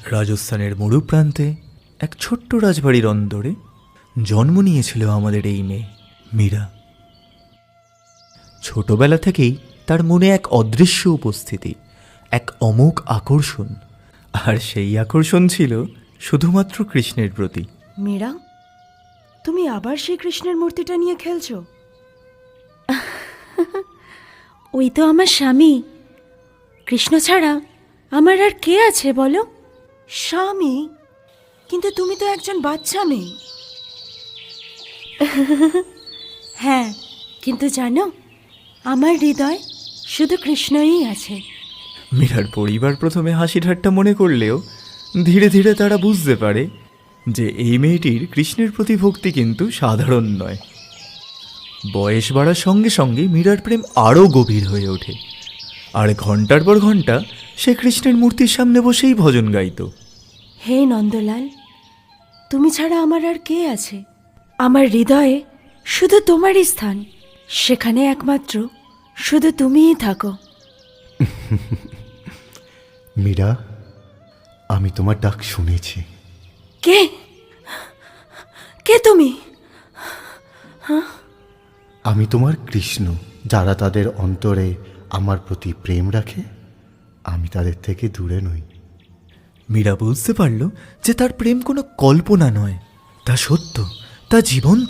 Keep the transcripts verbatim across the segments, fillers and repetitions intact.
রাজস্থানের মরু প্রান্তে এক ছোট্ট রাজবাড়ির অন্দরে জন্ম নিয়েছিল আমাদের এই মেয়ে মীরা। ছোটবেলা থেকেই তার মনে এক অদৃশ্য উপস্থিতি, এক অমোঘ আকর্ষণ, আর সেই আকর্ষণ ছিল শুধুমাত্র কৃষ্ণের প্রতি। মীরা, তুমি আবার সেই কৃষ্ণের মূর্তিটা নিয়ে খেলছো? ওই তো আমার স্বামী। কৃষ্ণ ছাড়া আমার আর কে আছে বলো? স্বামী? কিন্তু তুমি তো একজন বাচ্চা মেয়ে। হ্যাঁ, কিন্তু জানো, আমার হৃদয় শুধু কৃষ্ণই আছে। মীরার পরিবার প্রথমে হাসি ঠাট্টা মনে করলেও ধীরে ধীরে তারা বুঝতে পারে যে এই মেয়েটির কৃষ্ণের প্রতি ভক্তি কিন্তু সাধারণ নয়। বয়স বাড়ার সঙ্গে সঙ্গে মীরার প্রেম আরও গভীর হয়ে ওঠে, আর ঘন্টার পর ঘন্টা সে কৃষ্ণের মূর্তির সামনে বসেই ভজন গাইত। হে নন্দলাল, তুমি ছাড়া আমার আর কে আছে? আমার হৃদয়ে শুধু তোমারই স্থান, সেখানে একমাত্র শুধু তুমিই থাকো। মীরা, আমি তোমার ডাক শুনেছি। কে কে তুমি? আমি তোমার কৃষ্ণ। যারা তাদের অন্তরে আমার প্রতি প্রেম রাখে, আমি তাদের থেকে দূরে নই। মীরা বুঝতে পারল যে তার প্রেম কোনো কল্পনা নয়, তা সত্য, তা জীবন্ত।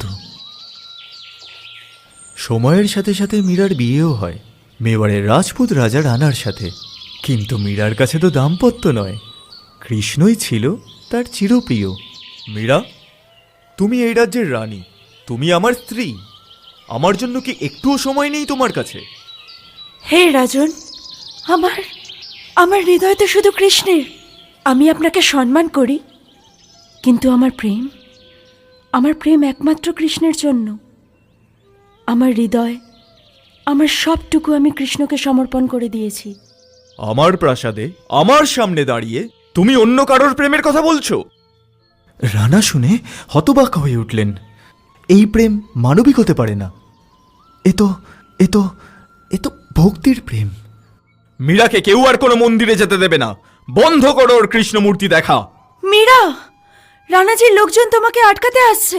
সময়ের সাথে সাথে মীরার বিয়েও হয় মেবারের রাজপুত রাজা রানার সাথে। কিন্তু মীরার কাছে তো দাম্পত্য নয়, কৃষ্ণই ছিল তার চিরপ্রিয়। মীরা, তুমি এই রাজ্যের রানী, তুমি আমার স্ত্রী। আমার জন্য কি একটুও সময় নেই তোমার কাছে? হে রাজন, আমার আমার হৃদয় তো শুধু কৃষ্ণের। আমি আপনাকে সম্মান করি, কিন্তু আমার প্রেম আমার প্রেম একমাত্র কৃষ্ণের জন্য। আমার হৃদয়, আমার সবটুকু আমি কৃষ্ণকে সমর্পণ করে দিয়েছি। আমার প্রাসাদে আমার সামনে দাঁড়িয়ে তুমি অন্য কারোর প্রেমের কথা বলছো? রানা শুনে হতবাক হয়ে উঠলেন। এই প্রেম মানবিক হতে পারে না। এ তো এ তো এ তো ভক্তির প্রেম। মীরাকে কেউ আর কোনো মন্দিরে যেতে দেবে না। বন্ধ করো ওর কৃষ্ণ মূর্তি দেখা। মীরা, রানাজির লোকজন তোমাকে আটকাতে আসছে।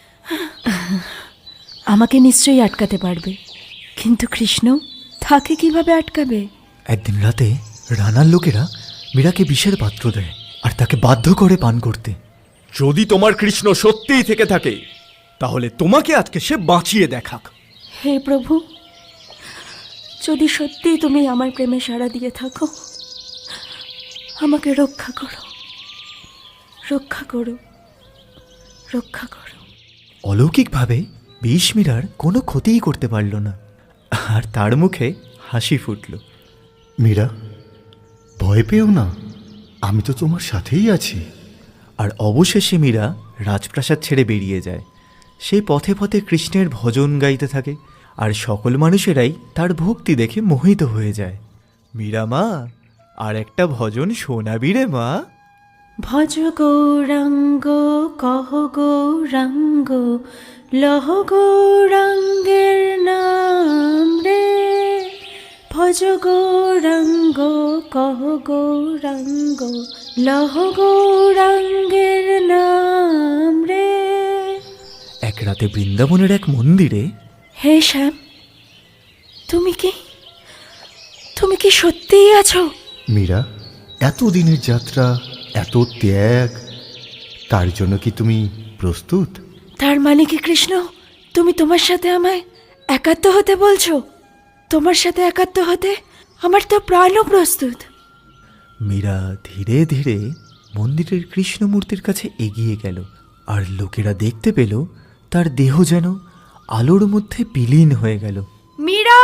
আমাকে নিশ্চয়ই আটকাতে পারবে, কিন্তু কৃষ্ণ তাকে কিভাবে আটকাবে? একদিন রাতে রানার লোকেরা মীরাকে বিষের পাত্র দেয় আর তাকে বাধ্য করে পান করতে। যদি তোমার কৃষ্ণ সত্যিই থেকে থাকে, তাহলে তোমাকে আজকে সে বাঁচিয়ে দেখাক। হে প্রভু, যদি সত্যিই তুমি আমার প্রেমে সাড়া দিয়ে থাকো, আমাকে রক্ষা করো, রক্ষা করো, রক্ষা করো। অলৌকিকভাবে বিষ মীরার কোনো ক্ষতিই করতে পারল না, আর তার মুখে হাসি ফুটল। মীরা, ভয় পেও না, আমি তো তোমার সাথেই আছি। আর অবশেষে মীরা রাজপ্রাসাদ ছেড়ে বেরিয়ে যায়। সেই পথে পথে কৃষ্ণের ভজন গাইতে থাকে, আর সকল মানুষেরাই তার ভক্তি দেখে মোহিত হয়ে যায়। মীরা মা, আর একটা ভজন শোনাবি রে মা? ভজ গৌরাঙ্গ কহ গৌরাঙ্গ লহ গৌরাঙ্গের নাম রে। ভজ গৌরাঙ্গ কহ গৌরাঙ্গ লহ গৌরাঙ্গের নাম রে। এক রাতে বৃন্দাবনের এক মন্দিরে। হে শ্যাম, তুমি কি তুমি কি সত্যিই আছো? মীরা, এত দিনের যাত্রা, এত ত্যাগ, তার জন্য কি তুমি প্রস্তুত? তার মানে কি কৃষ্ণ, তুমি তোমার সাথে আমায় একাত্ম হতে বলছো? তোমার সাথে একাত্ম হতে আমার তো প্রাণও প্রস্তুত। মীরা ধীরে ধীরে মন্দিরের কৃষ্ণ মূর্তির কাছে এগিয়ে গেল, আর লোকেরা দেখতে পেল তার দেহ যেন আলোর মধ্যে বিলীন হয়ে গেল। মীরা,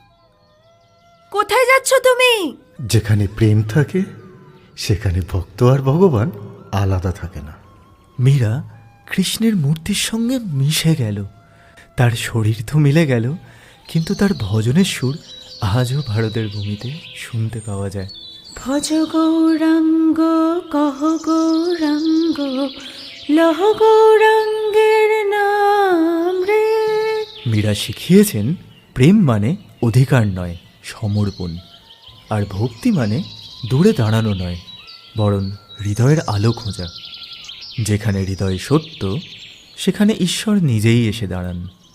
কোথায় যাচ্ছ তুমি? যেখানে প্রেম থাকে, সেখানে ভক্ত আর ভগবান আলাদা থাকে না। মীরা কৃষ্ণের মূর্তির সঙ্গে মিশে গেল। তার শরীর তো মিলে গেল, কিন্তু তার ভজনের সুর আজও ভারতের ভূমিতে শুনতে পাওয়া যায়। ভজ গৌরাঙ্গ কহ গৌরাঙ্গ লহ গৌরাঙ্গের নাম রে। মীরা শিখিয়েছেন প্রেম মানে অধিকার নয়, সমর্পণ। আর ভক্তি মানে দূরে দাঁড়ানো নয়, বরং হৃদয়ের আলো খোঁজা। যেখানে হৃদয় সত্য, সেখানে ঈশ্বর নিজেই এসে দাঁড়ান।